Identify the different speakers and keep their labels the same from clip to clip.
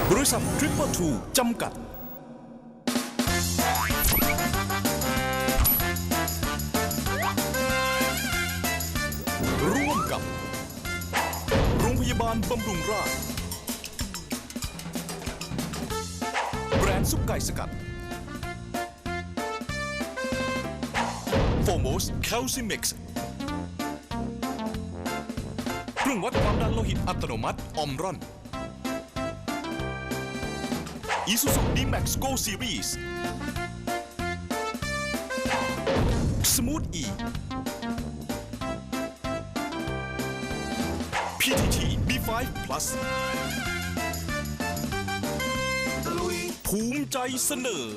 Speaker 1: บริษัททริปเปิลทูจำกัดร่วมกับโรงพยาบาลบำรุงราษฎร์แบรนด์ซุปไก่สกัดโฟโมสแคลซิมิกซ์เครื่องวัดความดันโลหิตอัตโนมัติออมรอนIsuzu D-Max Go Series Smooth E PTT B5 Plus ภูมิใจเสนอ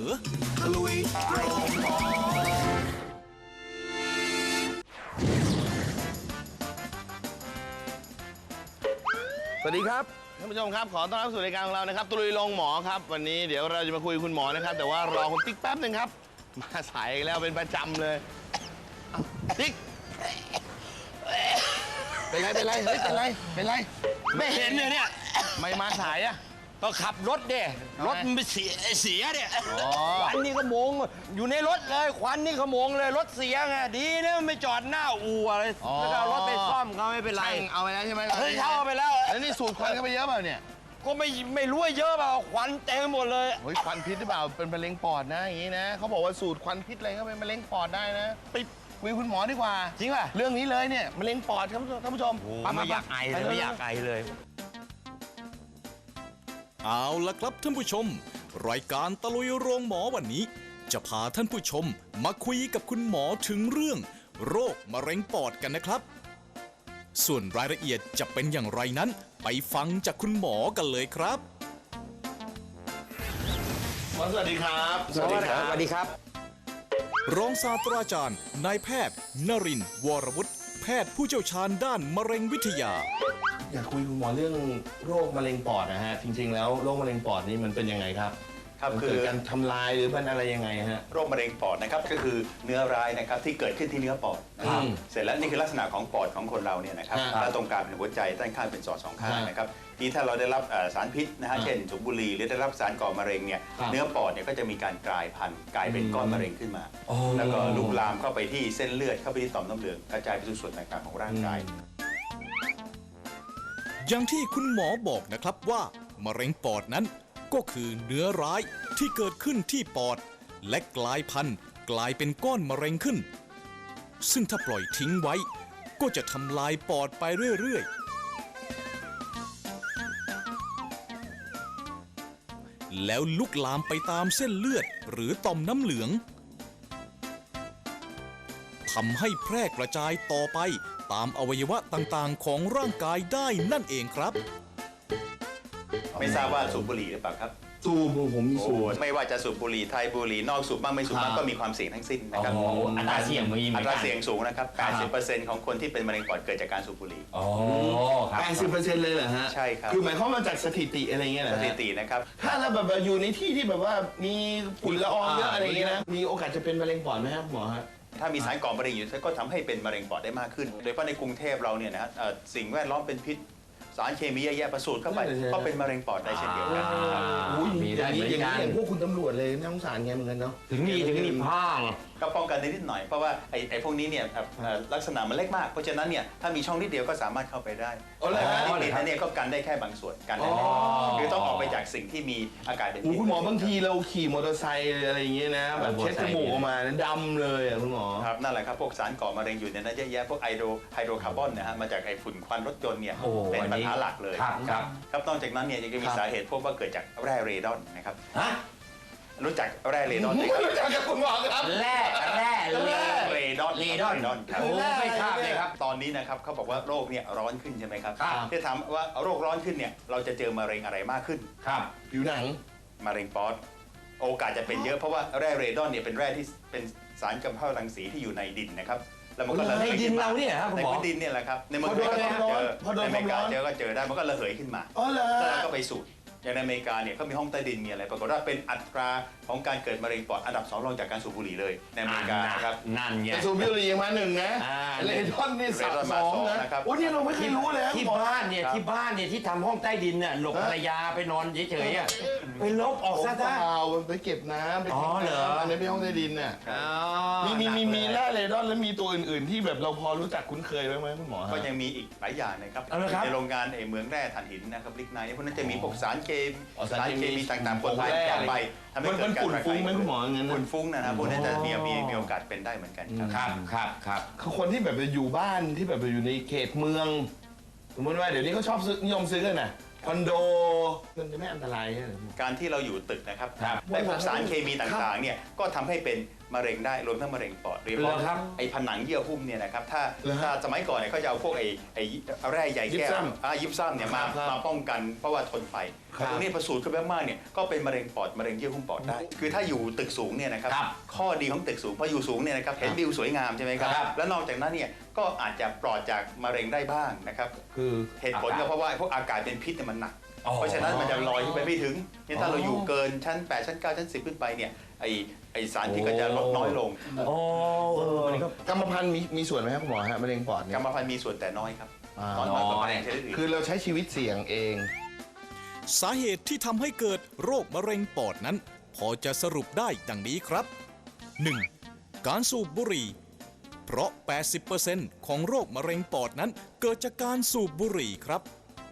Speaker 2: สวัสดีครับท่านผู้ชมครับขอต้อนรับสู่รายการของเรานะครับตุลุยโรงหมอครับวันนี้เดี๋ยวเราจะมาคุยคุณหมอนะครับแต่ว่ารอคุณติ๊กแป๊บหนึ่งครับมาสายอีกแล้วเป็นประจำเลยติ๊กเป็นไรเฮ้ยเป็นไรไม่เห็นเลยเนี่ยไม่มาสายอะ
Speaker 3: ก็ขับรถเด้รถมันเสียเนี่ยควันนี่ขโมงอยู่ในรถเลยควันนี่ขโมงเลยรถเสียไงดีนะมันไม่จอดหน้าอู่อะไรแล้วก็เอารถไปซ่อมเขาไม่เป็นไร
Speaker 2: เอาไปแล้วใช่ไหม
Speaker 3: เช่าไปแล้ว
Speaker 2: แล้วนี่สูดควันเข้าไปเยอะเปล่าเนี่ย
Speaker 3: ก็ไม่รู้ว่าเยอะเปล่าควันเต็มหมดเลย
Speaker 2: เฮ้ยควันพิษหรือเปล่าเป็นมะเร็งปอดนะอย่างนี้นะเขาบอกว่าสูดควันพิษอะไรก็เป็นมะเร็งปอดได้นะไปคุยคุณหมอดีกว่า
Speaker 3: จริงป่ะ
Speaker 2: เรื่องนี้เลยเนี่ยมะเร็งปอดครับท่านผู้ชม
Speaker 3: ไม่อยากไอเลยไม่อยากไอเลย
Speaker 1: เอาละครับท่านผู้ชมรายการตะลุยโรงหมอวันนี้จะพาท่านผู้ชมมาคุยกับคุณหมอถึงเรื่องโรคมะเร็งปอดกันนะครับส่วนรายละเอียดจะเป็นอย่างไรนั้นไปฟังจากคุณหมอกันเลยครับ
Speaker 2: สวัสดีครับ
Speaker 3: สวัสดีครับ
Speaker 1: รองศาสตราจารย์นายแพทย์นรินทร์วรวุฒิแพทย์ผู้เชี่ยวชาญด้านมะเร็งวิทยา
Speaker 2: อยากคุยคุณหมอเรื่องโรคมะเร็งปอดนะฮะจริงๆแล้วโรคมะเร็งปอดนี่มันเป็นยังไงครับคือการทำลายหรือมันอะไรยังไงฮะ
Speaker 4: โรคมะเร็งปอดนะครับก็คือเนื้อร้ายนะครับที่เกิดขึ้นที่เนื้อปอดนะครับเสร็จแล้วนี่คือลักษณะของปอดของคนเราเนี่ยนะครับแล้วตรงกลางเป็นหัวใจด้านข้างเป็นสองข้างนะครับที่ถ้าเราได้รับสารพิษนะฮะเช่นสูบบุหรี่หรือได้รับสารก่อมะเร็งเนี่ยเนื้อปอดเนี่ยก็จะมีการกลายพันธุ์กลายเป็นก้อนมะเร็งขึ้นมาแล้วก็ลุกลามเข้าไปที่เส้นเลือดเข้าไปที่ต่อมน้ำเหลืองกระจายไปสู่ส่วนต่างๆของร่างกาย
Speaker 1: อย่างที่คุณหมอบอกนะครับว่ามะเร็งปอดนั้นก็คือเนื้อร้ายที่เกิดขึ้นที่ปอดและกลายพันธุ์กลายเป็นก้อนมะเร็งขึ้นซึ่งถ้าปล่อยทิ้งไว้ก็จะทำลายปอดไปเรื่อยๆแล้วลุกลามไปตามเส้นเลือดหรือต่อมน้ำเหลืองทำให้แพร่กระจายต่อไปตามอวัยวะต่างๆของร่างกายได้นั่นเองครับ
Speaker 4: ไม่ทราบว่าสูบบุหรี่หรือเปล่าครับ
Speaker 2: สูบผมมีสูบ
Speaker 4: ไม่ว่าจะสูบบุหรี่ไทยบุหรี่นอกสูบบ้างไม่สูบบ้างก็มีความเสี่ยงทั้งสิ้นนะครับ
Speaker 3: อัตราเสี่ยงมี
Speaker 4: อัตราเสี่ยงสูงนะครับ 80% ของคนที่เป็นมะเร็งปอดเกิดจากการสูบบุหรี่
Speaker 2: 80%เลยเหรอฮะ
Speaker 4: ใช่ครับ
Speaker 2: คือหมายความว่าจากสถิติอะไรเงี้ยนะ
Speaker 4: สถิตินะครับ
Speaker 2: ถ้าเราแบบอยู่ในที่ที่แบบว่ามีฝุ่นละอองเยอะอะไรเงี้ยนะมีโอกาสจะเป็นมะเร็งปอดไหมครับหมอฮะ
Speaker 4: ถ้ามีสารก่อมะเร็งอยู่ก็ทำให้เป็นมะเร็งปอดได้มากขึ้นโดยเฉพาะในกรุงเทพเราเนี่ยนะสิ่งแวดล้อมเป็นพิษสารเคมีแย่ๆประสูดเข้าไปก็เป็นมะเร็งปอดได้เช่นเดียวกัน
Speaker 2: มีได้อย่างพวกคุณตำรวจเลยน่าสงสารแกเหมือนกันเนาะ
Speaker 3: ถึงมีผ้า
Speaker 4: ก็ป้องกันได้นิดหน่อยเพราะว่าไอ้พวกนี้เนี่ยลักษณะมันเล็กมากเพราะฉะนั้นเนี่ยถ้ามีช่องนิดเดียวก็สามารถเข้าไปได้แต่การที่ติดนั้นเนี่ยก็กันได้แค่บางส่วนกันได้คือต้องออกไปจากสิ่งที่มีอากาศเป็นพิษ
Speaker 2: คุณหมอบางทีเราขี่มอเตอร์ไซค์อะไรอย่างเงี้ยนะแบบเช็ดจมูกออกมาดำเลยอ่ะคุณหมอ
Speaker 4: ครับนั่นแหละครับพวกสารก่อมะเร็งอยู่ในนั้นเยอะแยะพวกไฮโดรคาร์บอนนะฮะมาจากไอ้ฝุ่นควันรถยนต์เนี่ยเป็นปัญหาหลักเลยครับนอกจากนั้นเนี่ยยังมีสาเหตุพบว่าเกิดจากแร่เรดอนนะครับรู้จักแร่เรดอนไหมครับ
Speaker 2: รู้จักกับคุณหมอครับ
Speaker 3: แร่
Speaker 4: เรดอน
Speaker 3: ครับไม่ทราบเลยครับ
Speaker 4: ตอนนี้นะครับเขาบอกว่าโรคเนี่ยร้อนขึ้นใช่ไหมครับที่ถามว่าโรคร้อนขึ้นเนี่ยเราจะเจอมะเร็งอะไรมากขึ้น
Speaker 3: ครับ
Speaker 2: ผิวหนัง
Speaker 4: มะเร็งปอดโอกาสจะเป็นเยอะเพราะว่าแร่เรดอนเนี่ยเป็นแร่ที่เป็นสารกำเนิดรังสีที่อยู่ในดินนะครับแล้วมันก็ระเหย
Speaker 3: ดินเราเนี่ยครับ
Speaker 4: ในพื้นดินเนี่ยแหละครับในเมืองไทยก็เจอในอเมริกาก็เจอได้มันก็ระเหยขึ้นมา
Speaker 2: แล้ว
Speaker 4: ก็ไปสูดอย่างในอเมริกาเนี่ยเขามีห้องใต้ดินมีอะไรปรากฏว่าเป็นอัตราของการเกิดมะเร็งปอดอันดับ 2 รองจากการสูบบุหรี่เลยในอเมริกานะครับ
Speaker 3: นั่นไง
Speaker 2: สูบบุหรี่มาหนึ่งนะ
Speaker 3: อ่า
Speaker 2: เลดอนนี่
Speaker 4: เรดอน
Speaker 2: ส
Speaker 4: มา
Speaker 2: อง
Speaker 4: สอง
Speaker 2: นะ
Speaker 4: นะครับ
Speaker 2: โอ้นี่เราไม่เคยรู้เลยครับ
Speaker 3: ที่
Speaker 2: หมอ
Speaker 3: บ้านเนี่ยที่บ้านเนี่ยที่ทำห้องใต้ดินเนี่ยหลบภรรยาไปนอนเฉยๆอ่ะไปลบออก
Speaker 2: ผม
Speaker 3: ซะ
Speaker 2: เป
Speaker 3: ได้
Speaker 2: ล่าไปเก็บน้ำไป
Speaker 3: อ๋อ
Speaker 2: ทิ้ง
Speaker 3: เหรอ
Speaker 2: น้ำอันนี้เป็นห้องใต้ดินน่ะมีแร่เลดอนแล้วมีตัวอื่นๆ ที่แบบเราพอรู้จักคุ้นเคยบ้างไหมคุณหมอฮะ
Speaker 4: ก็ยังมีอีกหลายอย่างนะครับ
Speaker 3: เอาละครับ
Speaker 4: ในโรงงานเหมืองแร่ถ่านหินนะครับลิกไนท์พวกนั้นจะมีพวกสารเคมี
Speaker 2: อ๋อสารเคมี
Speaker 4: ต่างๆปนไป
Speaker 2: แร่
Speaker 4: กันไปทำให้เกิดการ
Speaker 2: มันฝุ่นฟุ้งไหมคุณหมออย่างนั้นน่ะ
Speaker 4: ฝุ่นฟุ้งนะครับพวกนั้นจะมีโอกาสเป็นได้เหมือนกันครับ
Speaker 3: ครับ
Speaker 2: คือคนที่แบบอยู่บ้านที่แบบอยู่ในเขตเมือง สมมติว่าเดี๋ยวนี้เขาชอบซื้อนิยมซื้อกันนะคอนโดมันจะไม่อันตรายใช่ไหม
Speaker 4: การที่เราอยู่ตึกนะครับ
Speaker 3: ครับ
Speaker 4: ได้พวกสารเคมีต่างๆเนี่ยก็ทำให้เป็นมะเร็งได้รวมทั้งมะเร็งปอดโดยเฉ
Speaker 3: เหร
Speaker 4: พาะ
Speaker 3: อครับ
Speaker 4: ไอ้ผนังเยื่อหุ้มเนี่ยนะครับถ้า
Speaker 2: เหรอฮะ
Speaker 4: ถ้าสมัยก่อนเนี่ยเขาจะเอาพวกไอ้แร่ใยแก้
Speaker 2: ยิปซั
Speaker 4: ว
Speaker 2: ม
Speaker 4: ยิปซัมเนี่ยมา
Speaker 2: ครับ
Speaker 4: มาป้องกันเพราะว่าทนไฟ
Speaker 2: ครับ
Speaker 4: ตรงนี้พอสูดขึ้นไปมากๆเนี่ยก็เป็นมะเร็งปอดมะเร็งเยื่อหุ้มปอดได้ คือถ้าอยู่ตึกสูงเนี่ยนะครับ
Speaker 3: ครับ
Speaker 4: ข้อดีของตึกสูงพออยู่สูงเนี่ยนะครับเห็นวิวสวยงามใช่ไหมครับ
Speaker 3: ครับ
Speaker 4: แล้วนอกจากนั้นเนี่ยก็อาจจะปลอดจากมะเร็งได้บ้างนะครับ
Speaker 2: คือ
Speaker 4: เหตุผลก็เพราะว่าพวกอากาศเป็นพิษเนี่ยมันหนัก
Speaker 3: อ๋อ
Speaker 4: เพราะฉะนั้นมันจะลอยขึ้นไปไม่ถึงเนี่ยถ้าเราอยู่เกินชั้น 8 ชั้น 9 ชั้น 10 ขึ้นไปเนี่ยไอสารพิษก็จะลดน้อยลง
Speaker 3: โอ้มันก็
Speaker 2: กรรมพันธุ์มีส่วนไหมครับคุณหมอฮะมะเร็งปอดเนี่
Speaker 4: กร
Speaker 2: ย
Speaker 4: รมพันธุ์มีส่วนแต่น้อยครับ
Speaker 2: อ่า
Speaker 4: น้อยกว่ามะเร็งชนิดอื่น
Speaker 2: คือเราใช้ชีวิตเสี่ยงเอง
Speaker 1: สาเหตุที่ทำให้เกิดโรคมะเร็งปอดนั้น พอจะสรุปได้ดังนี้ครับ 1. การสูบบุหรี่ เพราะ 80% ของโรคมะเร็งปอดนั้นเกิดจากการสูบบุหรี่ครับ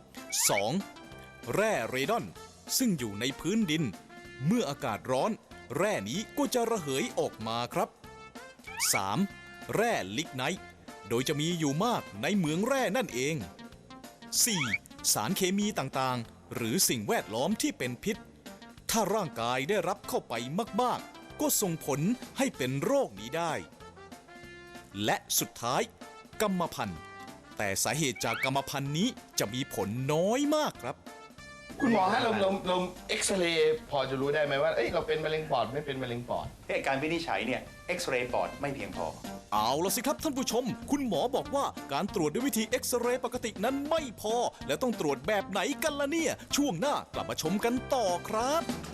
Speaker 1: 2. แร่เรดอนซึ่งอยู่ในพื้นดิน เมื่ออากาศร้อน แร่นี้ก็จะระเหยออกมาครับ 3. แร่ลิกไนท์โดยจะมีอยู่มากในเหมืองแร่นั่นเอง 4. สารเคมีต่างๆ หรือสิ่งแวดล้อมที่เป็นพิษ ถ้าร่างกายได้รับเข้าไปมากๆ ก็ส่งผลให้เป็นโรคนี้ได้ และสุดท้าย กรรมพันธุ์ แต่สาเหตุจากกรรมพันธุ์นี้จะมีผลน้อยมากครับ
Speaker 2: คุณหมอฮะเราเอ็กซเรย์พอจะรู้ได้ไหมว่าเอ้ยเราเป็นมะเร็งปอดไม่เป็นมะเร็งปอด
Speaker 4: การวินิจฉัยเนี่ยเอ็กซเรย์ปอดไม่เพียงพอ
Speaker 1: เอาละสิครับท่านผู้ชม คุณหมอบอกว่าการตรวจด้วยวิธีเอ็กซเรย์ปกตินั้นไม่พอ และต้องตรวจแบบไหนกันล่ะเนี่ย ช่วงหน้ากลับมาชมกันต่อครับ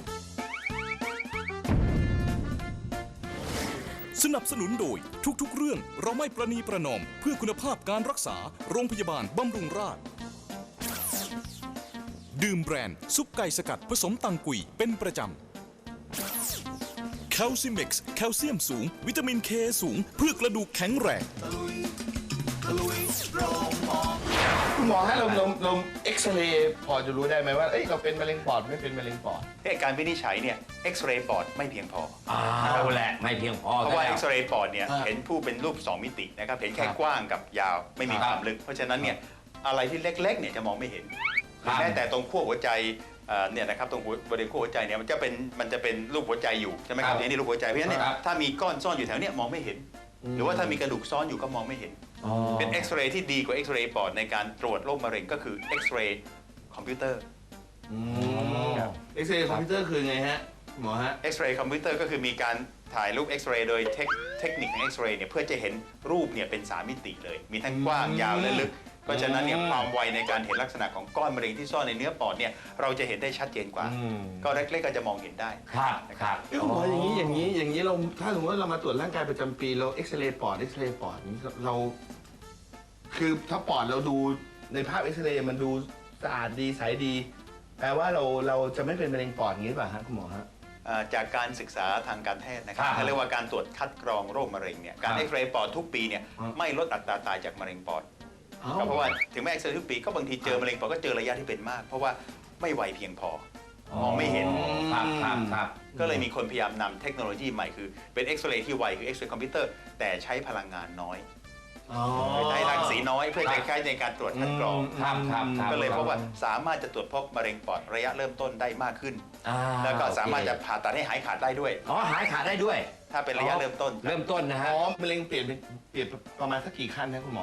Speaker 1: สนับสนุนโดยทุกๆเรื่องเราไม่ประนีประนอมเพื่อคุณภาพการรักษาโรงพยาบาลบำรุงราษฎร์ดื่มแบรนด์ซุปไก่สกัดผสมตังกุยเป็นประจำแคลซิเม็กซ์แคลเซียมสูง วิตามินเคสูง เพื่อกระดูกแข็งแรง
Speaker 2: คุณหมอฮะเราเอ็กซเรย์พอจะรู้ได้ไหมว่าเอ้ยเราเป็นมะเร็งปอดไม่เป็นมะเร็งปอด
Speaker 4: การวินิจฉัยเนี่ยเอ็กซเรย์ปอดไม่เพียงพอ
Speaker 3: เอาแหละไม่เพียงพอ
Speaker 4: เพราะว่า
Speaker 3: แล้ว
Speaker 4: เอ็กซเรย์ปอดเนี่ย
Speaker 2: อ่า
Speaker 4: เห็นผู้เป็นรูป 2 มิตินะครับเห็นแค่
Speaker 2: ครับ
Speaker 4: กว้างกับยาวไม่มี
Speaker 3: ค
Speaker 4: ครับ วามลึก เพราะฉะนั้นเนี่ยอะไรที่เล็กๆเนี่ยจะมองไม่เห็น
Speaker 3: ครับ
Speaker 4: แม้แต่ตรงขั้วหัวใจเนี่ยนะครับตรงบริเวณขั้วหัวใจเนี่ยมันจะเป็นรูปหัวใจอยู่ใช่ไหมครับนี่รูปหัวใจเพราะฉะนั้นเนี่ย
Speaker 3: ครับ
Speaker 4: ถ้ามีก้อนซ่อนอยู่แถวเนี้ยมองไม่เห็น หรือว่าถ้ามีกระดูกซ้อนอยู่ก็มองไม่เห็น เป็นเอ็กซเรย์ที่ดีกว่าเอ็กซเรย์ปอดในการตรวจโรคมะเร็งก็คือเอ็กซเรย์คอมพิวเตอร์
Speaker 2: เอ็กซเรย์คอมพิวเตอร์คือไงฮะหมอฮะ
Speaker 4: เอ็กซเรย์คอมพิวเตอร์ก็คือมีการถ่ายรูปเอ็กซเรย์โดยเทคนิคของเอ็กซเรย์เนี่ยเพื่อจะเห็นรูปเนี่ยเป็น3 มิติเลย มีทั้งกว้างยาวและลึก เพราะฉะนั้นเนี่ยความไวในการเห็นลักษณะของก้อนมะเร็งที่ซ่อนในเนื้อปอดเนี่ยเราจะเห็นได้ชัดเจนกว่า ก็เล็กๆก็จะมองเห็นได้
Speaker 3: ครับ
Speaker 2: เอ้ยคุณหมออย่างนี้เราถ้าสมมติว่าเรามาตรวจร่างกายประจำปีเราเอ็กซเรย์ปอดนี้เรา คือถ้าปอดเราดูในภาพเอ็กซเรย์มันดูสะอาดดีใสดี แปลว่าเราจะไม่เป็นมะเร็งปอดอย่างนี้หรือเปล่าฮะคุณหมอฮะ
Speaker 4: จากการศึกษาทางการแพทย์นะครับ
Speaker 3: ครับ
Speaker 4: เขาเรียกว่าการตรวจคัดกรองโรคมะเร็งเนี่ยการเอ็กซเรย์ปอดทุกปีเนี่ยไม่ลดอัตราตายจากมะเร็งปอดก็เพราะว่าถึงแม้เอ็กซเรย์ทุกปีก็บางทีเจอมะเร็งปอดก็เจอระยะที่เป็นมาก เพราะว่าไม่ไวเพียงพอมองไม่เห็น
Speaker 3: ครับ
Speaker 4: ก็เลยมีคนพยายามนำเทคโนโลยีใหม่คือเป็นเอ็กซเรย์ที่ไวคือเอ็กซเรย์คอมพิวเตอร์แต่ใช้พลังงานน้อยใช้รังสีน้อยเพื่อจะใช้ในการตรวจคัดกรอง
Speaker 3: ครับ
Speaker 4: ก็เลยพบว่าสามารถจะตรวจพบมะเร็งปอดระยะเริ่มต้นได้มากขึ้น แล้วก็สามารถจะผ่าตัดให้หายขาดได้ด้วย
Speaker 3: อ๋อหายขาดได้ด้วย
Speaker 4: ถ้าเป็นระยะเริ่มต้น
Speaker 3: เริ่มต้นนะฮะ
Speaker 2: อ๋อมะเร็งเปลี่ยนประมาณสักกี่ขั้นนะคุณหมอฮะ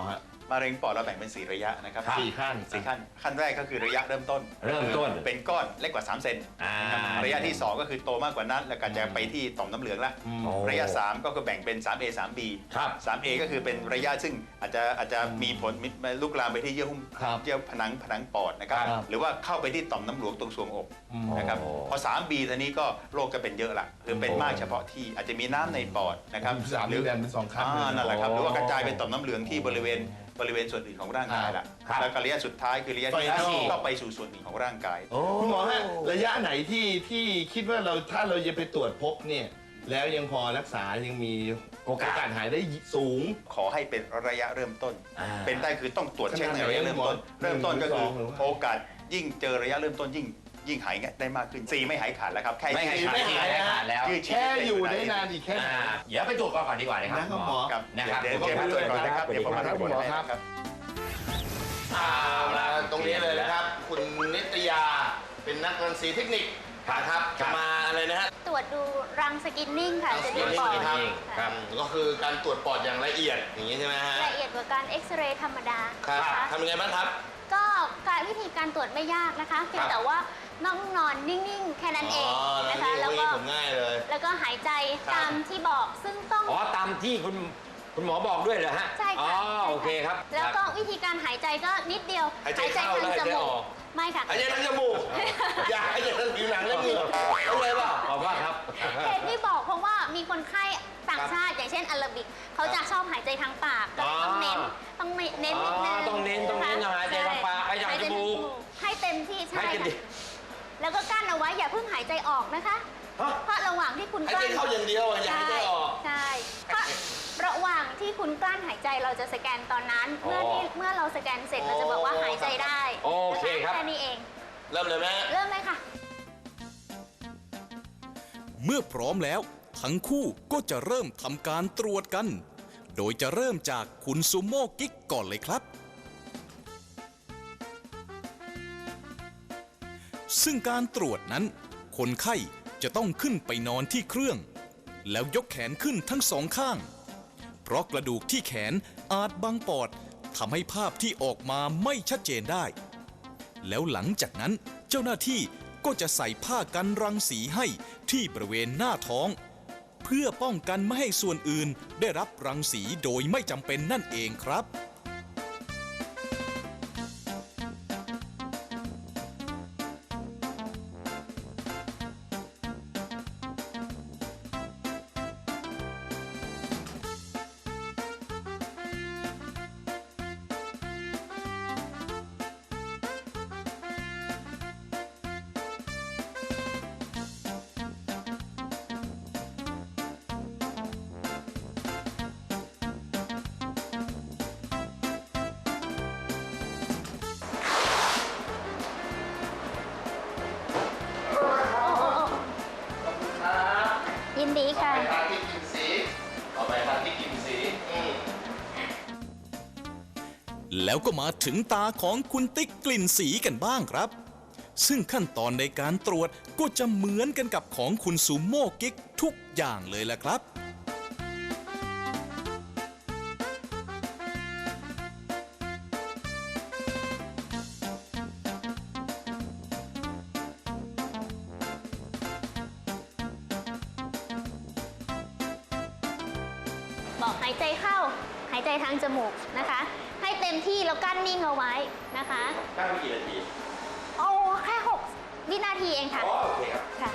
Speaker 4: มะเร็งปอดเราแบ่งเป็น4ระยะนะครับ
Speaker 2: 4 ขั้น
Speaker 4: ขั้นแรกก็คือระยะเริ่มต้น
Speaker 3: เริ่มต้น
Speaker 4: เป็นก้อนเล็กกว่า3 เซนนะครับระยะที่ 2 ก็คือโตมากกว่านั้นแล้วก็จะไปที่ต่อมน้ำเหลืองละระยะ 3 ก็คือแบ่งเป็น 3A 3B
Speaker 3: ครับ
Speaker 4: 3A ก็คือเป็นระยะซึ่งอาจจะมีผลลุกลามไปที่เยื่อหุ้ม
Speaker 2: ครับ
Speaker 4: เยื่อผนังปอดนะครับ
Speaker 2: ครับ
Speaker 4: หรือว่าเข้าไปที่ต่อมน้ำเหลืองตรงทรวงอกนะครับพอ 3B ทีนี้ก็โรคจะเป็นเยอะละคือเป็นมากเฉพาะที่อาจจะมีน้ำในปอดนะครับ
Speaker 2: 3นี่แบ่งเป็น2 ขั้นเลย
Speaker 4: นั่นแหละครับหรือว่ากระจายเป็นต่อมน้ำเหลืองที่บริเวณส่วนอื่นของร่างกายละ
Speaker 3: ครับ
Speaker 4: แล้วก็ระยะสุดท้ายคือระยะที่
Speaker 2: Final
Speaker 4: ก็ไปสู่ส่วนอื่นของร่างกาย
Speaker 2: คุณหมอฮะระยะไหนที่คิดว่าถ้าเราจะไปตรวจพบเนี่ยแล้วยังพอรักษายังมีโอกาสหายได้สูง
Speaker 4: ขอให้เป็นระยะเริ่มต้น
Speaker 3: อ่า
Speaker 4: เป็นได้คือต้องตรวจเช็คในระยะเริ่มต้น
Speaker 2: ขนาดไหน
Speaker 4: เริ่มต้นก็คือ
Speaker 2: หรือว่า
Speaker 4: โอกาสยิ่งเจอระยะเริ่มต้นยิ่งหายได้มากขึ้น4ไม่หายขาดแล้วครับแค่
Speaker 3: ไม่หายขาด
Speaker 2: ไม่หาย
Speaker 3: ไม่ขาดแล้ว
Speaker 4: ยืดชีวิต
Speaker 2: แค่อยู่ได้นานอีกแค่ไหน
Speaker 3: เดี๋ยวไปตรวจก่อนดีกว่านะครับ
Speaker 2: นะครับหมอ
Speaker 4: ครับ
Speaker 3: นะครับ
Speaker 4: เดี๋ยวเชิญมาตรวจก่อนนะครับเดี๋ยวผมมา
Speaker 2: ครับ
Speaker 4: ตรวจ
Speaker 2: คุณหมอ
Speaker 4: ให้
Speaker 2: ครับ
Speaker 4: นะครับ
Speaker 2: เอาละตรงนี้เลยนะครับ คุณนิตยาเป็นนักรังสีเทคนิคนะครับจะมาอะไรนะฮะ
Speaker 5: ตรวจดูรังสกินนิ่งค่ะ
Speaker 2: รังส
Speaker 5: จะ
Speaker 2: กิ
Speaker 5: ดู
Speaker 2: นนิ่ง
Speaker 5: ปอด
Speaker 2: ครับ
Speaker 5: ค่ะ
Speaker 2: ก็คือการตรวจปอดอย่างละเอียดอย่างนี้ใช่ไหมฮะ
Speaker 5: ละเอียดกว่าการเอ็กซเรย์ธรรมดา
Speaker 2: ครับ
Speaker 5: นะคะ
Speaker 2: ทำยังไงบ้างครับ
Speaker 5: ก็วิธีการตรวจไม่ยากนะคะเพียงแต่ว่าต้องนอนนิ่งๆ แค่นั้นเองนะคะ
Speaker 2: แล้
Speaker 5: แล้ว ว
Speaker 2: ก็
Speaker 5: ก็
Speaker 2: ผมง่ายเลย
Speaker 5: แล้วก็หายใจ
Speaker 2: ครับ
Speaker 5: ตามที่บอกซึ่งต้อง
Speaker 3: อ๋อตามที่คุณหมอบอกด้วยเหรอฮะ
Speaker 5: ใช่
Speaker 3: อ๋อ
Speaker 5: ค่ะ
Speaker 3: โอเคครับ
Speaker 5: แล้วก็วิธีการหายใจก็นิดเดียว
Speaker 2: หายใจเข้า
Speaker 5: ทาง
Speaker 2: แล้วหายใจ
Speaker 5: จมู
Speaker 2: อก อก
Speaker 5: ไม่ค่ะ
Speaker 2: หายใจทางจมูกอย่าหายใจทางผิวหนังแล้วเหงื่อเอาเลยเปล่า
Speaker 3: ขอบคุณครับ
Speaker 5: เหตุที่บอกเพราะว่ามีคนไข้ต่างชาติอย่างเช่นอาราบิกเขาจะชอบหายใจทางปากก็เลยต้องเน้นนิดนึง
Speaker 3: ต้องเน้น
Speaker 5: นะคะ
Speaker 3: หายใจทางปากหายใจทางจมูก
Speaker 5: ให้เต็มที่ใช่
Speaker 3: ให้เต็มที่
Speaker 5: ค่ะแล้วก็กั้นเอาไว้อย่าเพิ่งหายใจออกนะคะ เพราะระหว่างที่คุณ
Speaker 2: หาย
Speaker 5: กลั้
Speaker 2: ใจ
Speaker 5: น
Speaker 2: เข้าอย่างเดียวอย่าหายใจออก
Speaker 5: ใช่เพราะระหว่างที่คุณกลั้นหายใจเราจะสแกนตอนนั้น
Speaker 3: อ๋อ
Speaker 5: เมื่อเราสแกนเสร็จเราจะบอกว่าหายใจได้
Speaker 3: โอเคครับ
Speaker 5: แค่นี้เอง
Speaker 2: เริ่มเลยไหม
Speaker 5: เริ่มเลยค่ะ
Speaker 1: เมื่อพร้อมแล้ว ทั้งคู่ก็จะเริ่มทำการตรวจกัน โดยจะเริ่มจากคุณซูโม่กิ๊กก่อนเลยครับ ซึ่งการตรวจนั้น คนไข้จะต้องขึ้นไปนอนที่เครื่อง แล้วยกแขนขึ้นทั้งสองข้าง เพราะกระดูกที่แขนอาจบังปอดทำให้ภาพที่ออกมาไม่ชัดเจนได้ แล้วหลังจากนั้นเจ้าหน้าที่ก็จะใส่ผ้ากันรังสีให้ที่บริเวณหน้าท้อง เพื่อป้องกันไม่ให้ส่วนอื่นได้รับรังสีโดยไม่จำเป็นนั่นเองครับ
Speaker 5: ยินดีค่ะ
Speaker 2: ไปทางที่กินสีต่อไปทางที่กินสี
Speaker 1: แล้วก็มาถึงตาของคุณติ๊กกลิ่นสีกันบ้างครับ ซึ่งขั้นตอนในการตรวจก็จะเหมือนกันกับของคุณซูโม่กิ๊กทุกอย่างเลยละครับ
Speaker 5: บอกหายใจเข้า หายใจทางจมูกนะคะ ให้เต็มที่แล้วกั้นนิ่งเอาไว้นะคะ
Speaker 3: ตั้งกี่นาที
Speaker 5: โอ้แค่6 วินาทีเองค่ะ
Speaker 3: อ๋อโอเคครับ
Speaker 5: ค่ะ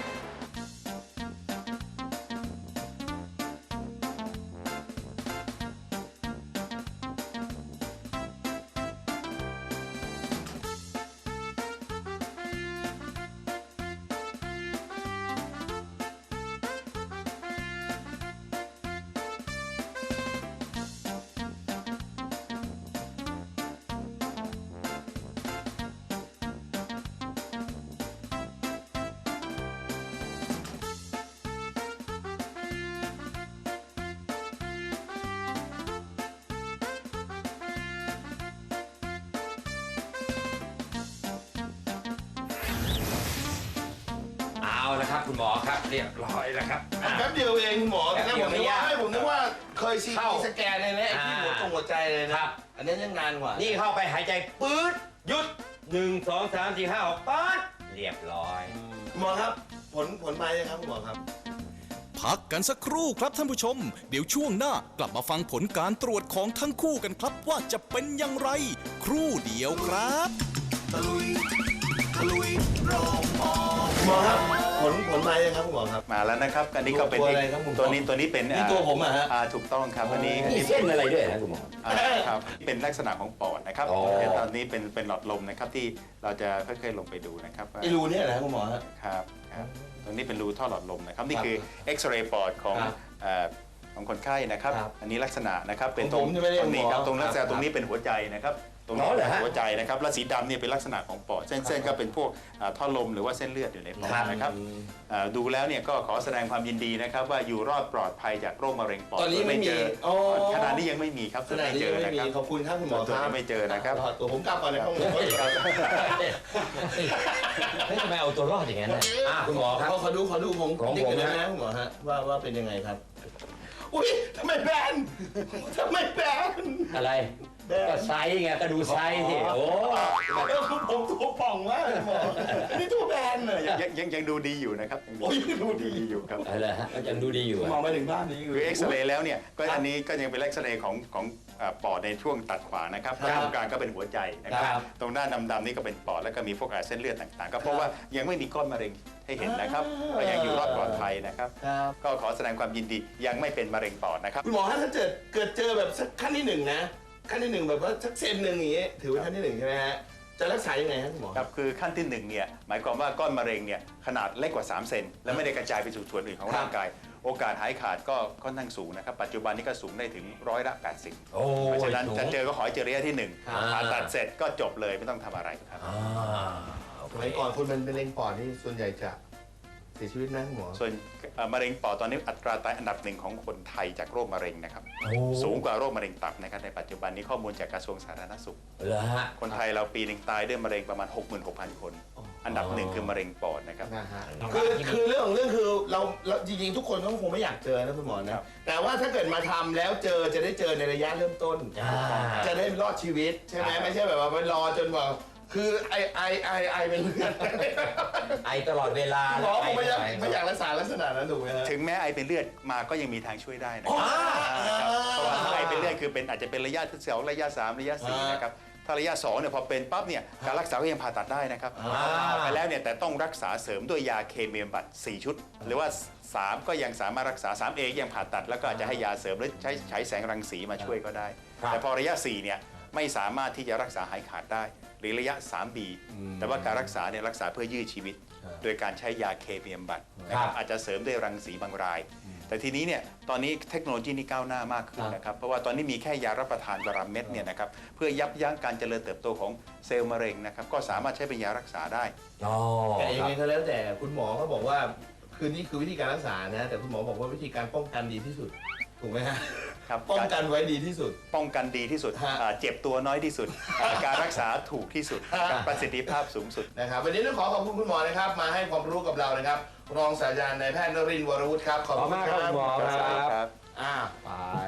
Speaker 3: ครับคุณหมอครับเรียบร้อยแล้วครับ
Speaker 2: แป๊บเดียวเองคุณหมอ
Speaker 3: แป๊บ
Speaker 2: แต่
Speaker 3: เดี
Speaker 2: ผ
Speaker 3: ยว
Speaker 2: ม
Speaker 3: ไม่
Speaker 2: นึก
Speaker 3: ยาก
Speaker 2: ว่าผมนึกว่าเคยซี
Speaker 3: เข้า
Speaker 2: สแกนเลยนะไอ้ที่หัวใจเลยนะครับ อันนี้ยังนานกว่า
Speaker 3: นี่เข้าไปหายใจปื๊ดหยุด1 2 3 4 5 6ป๊ดเรียบร้อย
Speaker 2: หมอครับผลมายังครับคุณหมอครับ
Speaker 1: พักกันสักครู่ครับท่านผู้ชม เดี๋ยวช่วงหน้ากลับมาฟังผลการตรวจของทั้งคู่กันครับว่าจะเป็นอย่างไร ครู่เดียวครับ
Speaker 2: หมอครับผลมายังครับคุณหมอครับ
Speaker 4: มาแล้วนะครับอันนี้ก็เป็น
Speaker 2: ตัวอะไรครับคุณหมอ
Speaker 4: ตัวนี้เป็น
Speaker 2: นี่ตัวผมอะฮะ
Speaker 4: ถูกต้องครับอันนี้
Speaker 3: มีเส้นอะไรด้วยนะคุณหมอ
Speaker 4: ครับเป็นลักษณะของปอดนะครับ
Speaker 3: อ๋อ
Speaker 4: แต่ตอนนี้เป็นหลอดลมนะครับที่เราจะค่อยๆลงไปดูนะครับว่า
Speaker 2: ไอ้รูเนี่ยนะคุณหมอฮะ
Speaker 4: ครับตรงนี้เป็นรูท่อหลอดลมนะครับนี่คือเอ็กซเรย์ปอดของ
Speaker 2: ครับ
Speaker 4: ของคนไข้นะครับ
Speaker 2: ครับ
Speaker 4: อันนี้ลักษณะนะครับเป็น
Speaker 2: ของผมจะไม่ได้
Speaker 4: ตรงนี้ครับ
Speaker 2: หมอ
Speaker 4: ตรงลักษ
Speaker 2: ครั
Speaker 4: ณะ
Speaker 2: บ
Speaker 4: ตรงนี้เป็นหัวใจนะครับตรงนี้
Speaker 3: อ๋อเหรอ
Speaker 4: เป็น
Speaker 3: ฮะ
Speaker 4: หัวใจนะครับและสีดำเนี่ยเป็นลักษณะของปอดเส้นก็เป็นพวกท่อลมหรือว่าเส้นเลือดอยู่ในปอดนะครับดูแล้วเนี่ยก็ขอแสดงความยินดีนะครับว่าอยู่รอดปลอดภัยจากโรคมะเร็งปอด
Speaker 2: ตอนนี้ไม่มี
Speaker 4: เจอ
Speaker 2: อ๋อ
Speaker 4: ขณะนี้ยังไม่มีครับ
Speaker 2: ขนาดนี้
Speaker 4: เจอ
Speaker 2: ไม่
Speaker 4: นะ
Speaker 2: มี
Speaker 4: ครับ
Speaker 2: ขอบคุณครับคุณหมอ
Speaker 4: ตัว
Speaker 2: ครั
Speaker 4: นี้
Speaker 2: บ
Speaker 4: ไม่เจอนะครับ
Speaker 2: ตัวผมกลับก่อนนะครับ
Speaker 3: เฮ้ยทำไมเอาตัวรอดอย่างนั้นน่ะคุณหมอครับ
Speaker 2: ขอดูผม
Speaker 3: ของ
Speaker 2: ติ๊ก
Speaker 3: ผม
Speaker 2: เลย
Speaker 3: นะ
Speaker 2: นะคุณหมอฮะว่าเป็นยังไงครับ อุ้ยทำไมแบนทำไมแบน
Speaker 3: อะไรก็ไซส์ไงก็ดูไซส์สิโอ้
Speaker 2: ผมตัวป่องมากเลยหมอนี่ตัวแบนเลย
Speaker 4: ยังดูดีอยู่นะครับ
Speaker 2: โอ้ยดูดี
Speaker 4: อยู่ครับ
Speaker 3: อะไรฮะยังดูดีอยู่
Speaker 2: มองไปถึงภาพนี้
Speaker 4: คือเอ็กซเรย์แล้วเนี่ยก็อันนี้ก็ยังเป็นเอ็กซเรย์ของปอดในช่วงตัดขวางนะครับ
Speaker 2: ครับ
Speaker 4: ตรงกลางก็เป็นหัวใจนะครับ
Speaker 3: ครับ
Speaker 4: ตรงด้านดำๆนี่ก็เป็นปอดแล้วก็มีพวกเส้นเลือดต่างๆ ก็เพราะว่ายังไม่มีก้อนมะเร็งให้เห็นนะครับก็ยังอยู่รอดปลอดภัยนะครับ
Speaker 2: ครับ
Speaker 4: ก็ขอแสดงความยินดียังไม่เป็นมะเร็งปอดนะครับ
Speaker 2: คุณหมอฮะถ้าเกิดเจอแบบสักขั้นที่หนึ่งนะขั้นที่หนึ่งแบบว่าสักเซนหนึ่งอย่างเงี้ยถือว่าขั้นที่หนึ่งใช่ไหมฮะจะรักษายังไงฮะคุณหมอ
Speaker 4: ครับคือขั้นที่หนึ่งเนี่ยหมายความว่าก้อนมะเร็งเนี่ยขนาดเล็กกว่า3 เซนและไม่ได้กระจายไปสู่ส่วนอื่นของร่างกาย โอกาสหายขาดก็ค่อนข้างสูงนะครับปัจจุบันนี้ก็สูงได้ถึง80%
Speaker 3: โอ้
Speaker 4: เพราะฉะนั้น
Speaker 3: สูง
Speaker 4: จะเจอก็ขอให้เจอระยะที่หนึ่ง
Speaker 3: ครับ
Speaker 4: ผ่าตัดเสร็จก็จบเลยไม่ต้องทำอะไรครับ
Speaker 2: สมัยก่อนคนเป็นมะเร็งปอดนี่ส่วนใหญ่จะเสียชีวิตนะคุณหมอ
Speaker 4: ส่วนมะเร็งปอดตอนนี้อัตราตายอันดับหนึ่งของคนไทยจากโรคมะเร็งนะครับ
Speaker 3: โอ้
Speaker 4: สูงกว่าโรคมะเร็งตับนะครับในปัจจุบันนี้ข้อมูลจากกระทรวงสาธารณสุข
Speaker 3: เหรอฮะ
Speaker 4: คนไทยเราปีหนึ่งตายด้วยมะเร็งประมาณ 66,000 คน อันดับหนึ่งคือมะเร็งปอดนะครับ
Speaker 2: นะฮะคือเรื่องของเรื่องคือเราจริงๆทุกคนก็คงไม่อยากเจอนะคุณหมอ
Speaker 4: ครั
Speaker 2: นะ
Speaker 4: บ
Speaker 2: แต่ว่าถ้าเกิดมาทำแล้วจะได้เจอในระยะเริ่มต้น จะได้รอดชีวิตใช่ไหมไม่ใช่แบบว่าไปรอจนแบบคือไอเป็นเลือด
Speaker 3: ไอตลอดเวลา
Speaker 2: หมอคงไม่อยาก
Speaker 3: ไ
Speaker 2: ไม่อยากรักษาลักษณะนั้นถูกไหมฮะ
Speaker 4: ถึงแม้ไอเป็นเลือดมาก็ยังมีทางช่วยได้นะครับเพราะว่าถ้าไอเป็นเลือดคือเป็นอาจจะเป็นระยะที่2ระยะ3ระยะ4นะครับถ้าระยะ2เนี่ยพอเป็นปั๊บเนี่ยการรักษาก็ยังผ่าตัดได้นะครับไปแล้วเนี่ยแต่ต้องรักษาเสริมด้วยยาเคมีบำบัด4 ชุด หรือว่า 3 ก็ยังสามารถรักษา 3A ยังผ่าตัดแล้วก็อาจจะให้ยาเสริมหรือใช้แสงรังสีมาช่วยก็ได้ แต่พอระยะ4เนี่ยไม่สามารถที่จะรักษาหายขาดได้ หรือระยะ 3B แต่ว่าการรักษาเนี่ยรักษาเพื่อยืดชีวิต โดยการใช้ยาเคมีบำบัดนะครับอาจจะเสริมด้วยรังสีบางราย แต่ทีนี้เนี่ยตอนนี้เทคโนโลยีนี่ก้าวหน้ามากขึ้นนะครับเพราะว่าตอนนี้มีแค่ยารับประทานวันละเม็ดเนี่ยนะครับเพื่อยับยั้งการเจริญเติบโตของเซลล์มะเร็งนะครับก็สามารถใช้เป็นยารักษาได้
Speaker 3: อ๋อ
Speaker 2: แต่ยังไงก็แล้วแต่คุณหมอก็บอกว่าคือนี่คือวิธีการรักษานะแต่คุณหมอบอกว่าวิธีการป้องกันดีที่สุดถูกไหมฮะ
Speaker 4: ครับ
Speaker 2: ป้องกันไว้ดีที่สุด
Speaker 4: ป้องกันดีที่สุด
Speaker 2: ฮะ
Speaker 4: เจ็บตัวน้อยที่สุด การรักษาถูกที่สุดกับประสิทธิภาพสูงสุด
Speaker 2: นะครับวันนี้ต้องขอบคุณคุณหมอนะครับมาให้ความรู้กับเรานะครับรองศาสตราจารย์นายแพทย์นรินทร์วรวุฒิครับขอบ
Speaker 3: ขอบ
Speaker 2: คุณ
Speaker 3: มาก
Speaker 2: ค
Speaker 3: ค
Speaker 2: รั
Speaker 3: รับบ คุณหมอ
Speaker 4: สวัสดี
Speaker 3: ค
Speaker 4: ค
Speaker 3: รั
Speaker 4: รั
Speaker 3: บบ
Speaker 2: ไป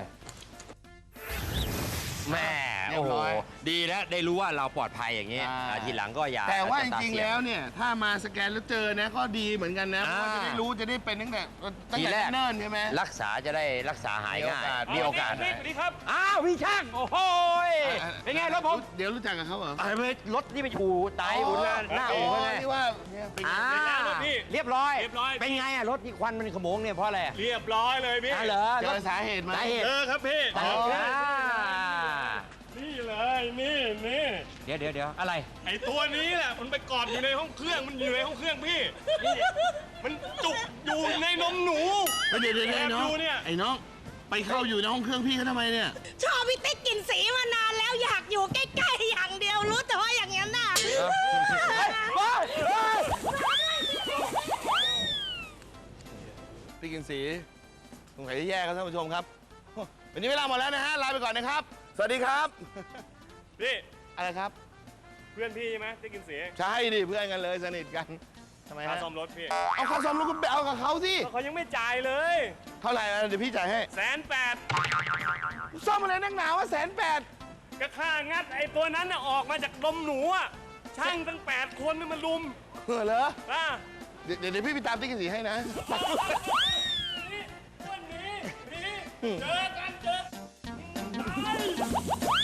Speaker 3: แม่
Speaker 2: เรีย
Speaker 3: โอ้
Speaker 2: บ
Speaker 3: โห
Speaker 2: ร้อย
Speaker 3: ดีแล้วได้รู้ว่าเราปลอดภัยอย่างนี้
Speaker 2: อ่า
Speaker 3: ทีหลังก็อย่า
Speaker 2: แต่ว่าจ
Speaker 3: ต
Speaker 2: ริงๆ
Speaker 3: เสี่ย
Speaker 2: แล้วเนี่ยถ้ามาสแกนแล้วเจอนะก็ดีเหมือนกันนะเพราะว่าจะได้รู้จะได้เป็นตั้งแต่
Speaker 3: ทีแรก
Speaker 2: เนิ่นๆใช่ไหม
Speaker 3: รักษาจะได้รักษาหายง่ายมีโอกาส
Speaker 6: สวัสดีครับ
Speaker 3: อ้าวพี่ช่างโอ้โหยเป็นไงรถผม
Speaker 2: เดี๋ยวรู้จักกับเขาเหรอ
Speaker 3: รถนี่ไปอู่ไตอู่หน้าอู่เขาไง
Speaker 2: ที่ว่าเนี่ยเป็น
Speaker 3: อ่า
Speaker 6: รถพี่
Speaker 3: เรียบร้อย
Speaker 6: เรียบร้อย
Speaker 3: เป็นไงอะรถนี่ควันมันขโมงเนี่ยเพราะอะไร
Speaker 6: เรียบร้อยเลยพี่
Speaker 3: อ่าเหรอ
Speaker 2: เจ
Speaker 3: รถ
Speaker 2: อสาเหตุไหม
Speaker 3: สาเหตุ
Speaker 6: ครับพี่
Speaker 3: สาเหตุอ่า
Speaker 6: นี่เลยนี่
Speaker 3: เดี๋ยวอะไร
Speaker 6: ไอตัวนี้แหละมันไปกอดอยู่ในห้องเครื่องมันอยู่ในห้องเครื่องพี่นี่มันจุกอยู่ในนมหนู
Speaker 2: เดี๋ยว
Speaker 6: แอบ
Speaker 2: น้อง
Speaker 6: ดูเนี่ย
Speaker 2: ไอ้น้องไปเข้าอยู่ในห้องเครื่องพี่เขาทำไมเนี่ย
Speaker 7: ชอบพี่ติ๊กกลินสีมานานแล้วอยากอยู่ใกล้ๆอย่างเดียวรู้แต่ว่าอย่างนั้นน่ะ
Speaker 2: พี่กินสีสงสัยจะแย่ครับท่านผู้ชมครับวันนี้เวลาหมดแล้วนะฮะลาไปก่อนนะครับ สวัสดีครับ
Speaker 6: พี่
Speaker 2: อะไรครับ
Speaker 6: เพื่อนพี่ใช่ไหมได้กินเสียง
Speaker 2: ใช่ดิเพื่อนกันเลยสนิทกันทำไม
Speaker 6: ค่า
Speaker 2: ฮะ
Speaker 6: ซ่อมรถพี่
Speaker 2: เอาค่าซ่อมรถคุณไปเอากับเขาสิ
Speaker 6: เขายังไม่จ่ายเลย
Speaker 2: เท่าไหร่นะเดี๋ยวพี่จ่ายให้
Speaker 6: 180,000
Speaker 2: ซ่อมอะไรนักหนาวะ180,000
Speaker 6: ก็ค่างัดไอ้ตัวนั้นน่ะออกมาจากนมหนูอ่ะช่างตั้ง8 คนนี่มันลุม
Speaker 2: เหรอ
Speaker 6: อ่ะ
Speaker 2: เดี๋ยวพี่ไปตามติ๊กสีให้นะ
Speaker 6: วันนี้เจอกัน